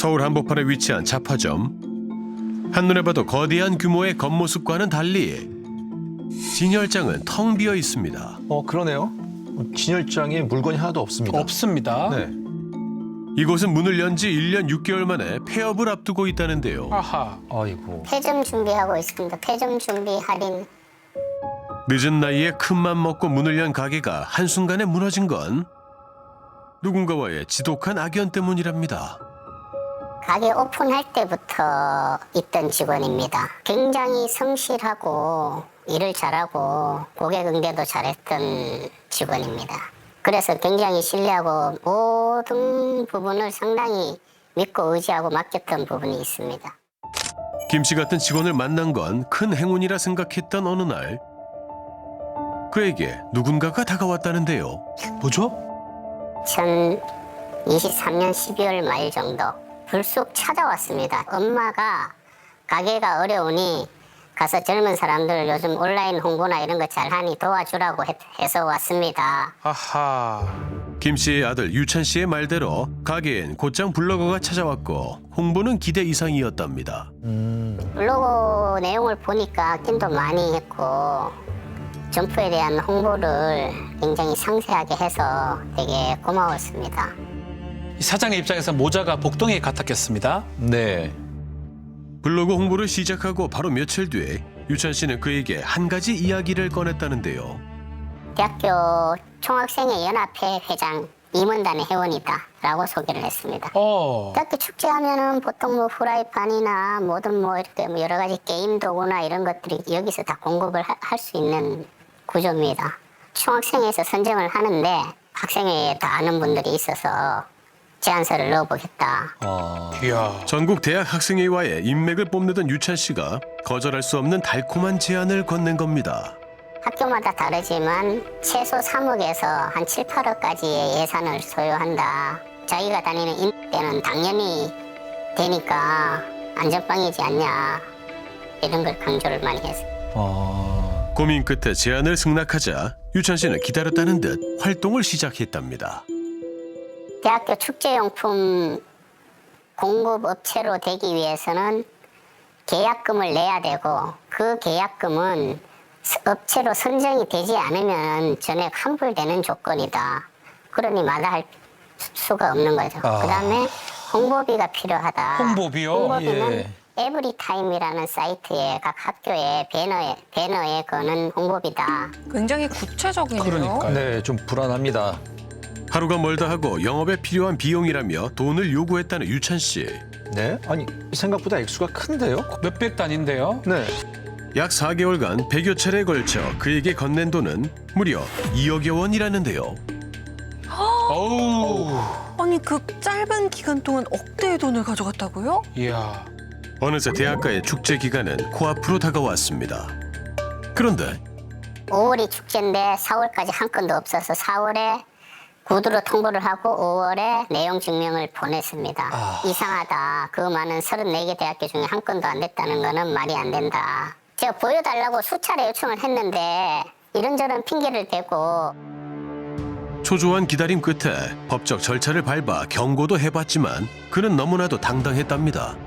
서울 한복판에 위치한 잡화점. 한눈에 봐도 거대한 규모의 겉모습과는 달리 진열장은 텅 비어 있습니다. 그러네요. 진열장에 물건이 하나도 없습니다. 없습니다. 네. 이곳은 문을 연 지 1년 6개월 만에 폐업을 앞두고 있다는데요. 아하. 아이고. 폐점 준비하고 있습니다. 폐점 준비 할인. 늦은 나이에 큰맘 먹고 문을 연 가게가 한순간에 무너진 건 누군가와의 지독한 악연 때문이랍니다. 가게 오픈할 때부터 있던 직원입니다. 굉장히 성실하고 일을 잘하고 고객 응대도 잘했던 직원입니다. 그래서 굉장히 신뢰하고 모든 부분을 상당히 믿고 의지하고 맡겼던 부분이 있습니다. 김 씨 같은 직원을 만난 건 큰 행운이라 생각했던 어느 날 그에게 누군가가 다가왔다는데요. 뭐죠? 2023년 12월 말 정도 불쑥 찾아왔습니다. 엄마가 가게가 어려우니 가서 젊은 사람들 요즘 온라인 홍보나 이런 거 잘하니 도와주라고 해서 왔습니다. 아하. 김 씨의 아들 유찬 씨의 말대로 가게엔 곧장 블로거가 찾아왔고 홍보는 기대 이상이었답니다. 블로그 내용을 보니까 낀도 많이 했고 점포에 대한 홍보를 굉장히 상세하게 해서 되게 고마웠습니다. 이 사장의 입장에서 모자가 복덩이에 같았겠습니다. 네. 블로그 홍보를 시작하고 바로 며칠 뒤에 유찬 씨는 그에게 한 가지 이야기를 꺼냈다는데요. 대학교 총학생회 연합회 회장 임원단의 회원이다라고 소개를 했습니다. 대학교 축제하면은 보통 뭐 프라이팬이나 뭐든 뭐 이렇게 뭐 여러 가지 게임 도구나 이런 것들이 여기서 다 공급을 할 수 있는 구조입니다. 총학생회에서 선정을 하는데 학생회에 다 아는 분들이 있어서 제안서를 넣어보겠다. 이야. 전국 대학 학생회와의 인맥을 뽐내던 유찬 씨가 거절할 수 없는 달콤한 제안을 건넨 겁니다. 학교마다 다르지만 최소 3억에서 한 7, 8억까지의 예산을 소요한다. 자기가 다니는 인대는 당연히 되니까 안전빵이지 않냐. 이런 걸 강조를 많이 했어요. 고민 끝에 제안을 승낙하자 유찬 씨는 기다렸다는 듯 활동을 시작했답니다. 대학교 축제용품 공급업체로 되기 위해서는 계약금을 내야 되고 그 계약금은 업체로 선정이 되지 않으면 전액 환불되는 조건이다. 그러니 마다할 수가 없는 거죠. 그다음에 홍보비가 필요하다. 홍보비요? 홍보비는 예. 에브리타임이라는 사이트에 각 학교의 배너에 거는 홍보비다. 굉장히 구체적이네요. 그러니까요. 네, 좀 불안합니다. 하루가 멀다 하고 영업에 필요한 비용이라며 돈을 요구했다는 유찬 씨. 네? 아니, 생각보다 액수가 큰데요? 몇백 단인데요. 네. 약 4개월간 100여 차례에 걸쳐 그에게 건넨 돈은 무려 2억여 원이라는데요. 어우. 아니 그 짧은 기간 동안 억대의 돈을 가져갔다고요? 이야. 어느새 대학가의 축제 기간은 코앞으로 다가왔습니다. 그런데 5월이 축제인데 4월까지 한 건도 없어서 4월에 구두로 통보를 하고 5월에 내용 증명을 보냈습니다. 이상하다. 그 많은 34개 대학교 중에 한 건도 안 됐다는 거는 말이 안 된다. 제가 보여달라고 수차례 요청을 했는데 이런저런 핑계를 대고 초조한 기다림 끝에 법적 절차를 밟아 경고도 해봤지만 그는 너무나도 당당했답니다.